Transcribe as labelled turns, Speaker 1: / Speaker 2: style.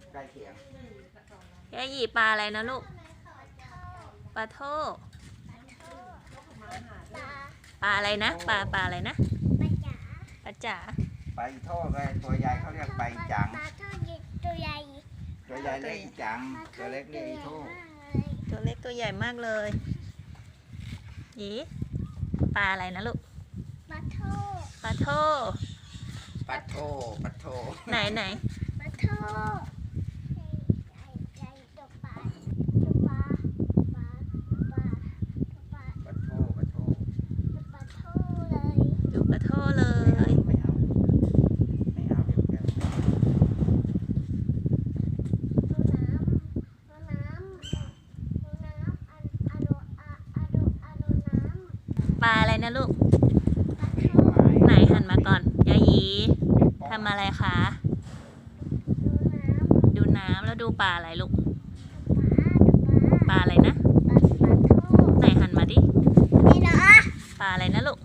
Speaker 1: ใกล้เคียง
Speaker 2: ยายหยีปลาอะไรนะลูกปลาโทปลาอะไรนะปลาอะไรนะปลาจ๋า
Speaker 1: ไปโทษเลยตัวใหญ่เขาเรียกไปจัง
Speaker 3: ปลาทอดตัวใหญ่
Speaker 1: ตัวใหญ่เรียกอีจังตัวเล็กเรียกอีโทษ
Speaker 2: ตัวเล็กตัวใหญ่มากเลยหยีปลาอะไรนะลูก
Speaker 3: ปลาโท
Speaker 2: ปลาโท
Speaker 1: ปัดโทปัดโท
Speaker 2: ไหน
Speaker 3: ปลาโทใจตัวปลาตัวปลาปลาปลาปลา
Speaker 1: ปัดโทปัดโท
Speaker 3: ปลาโทเลย
Speaker 2: ดูปลาโทเลย
Speaker 1: ไม่เอาไม่เอาเดี๋ยวแก
Speaker 3: ดูน้ำอะโดน้ำ
Speaker 2: ปลาอะไรนะลูก
Speaker 3: ปลาโท
Speaker 2: ไหนหันมาก่อนยายหยีทำอะไรคะดูน้ำแล้วดูปลาอะไรลูกปลาอะไรนะไหนหันมาดิปลาอะไรนะลูก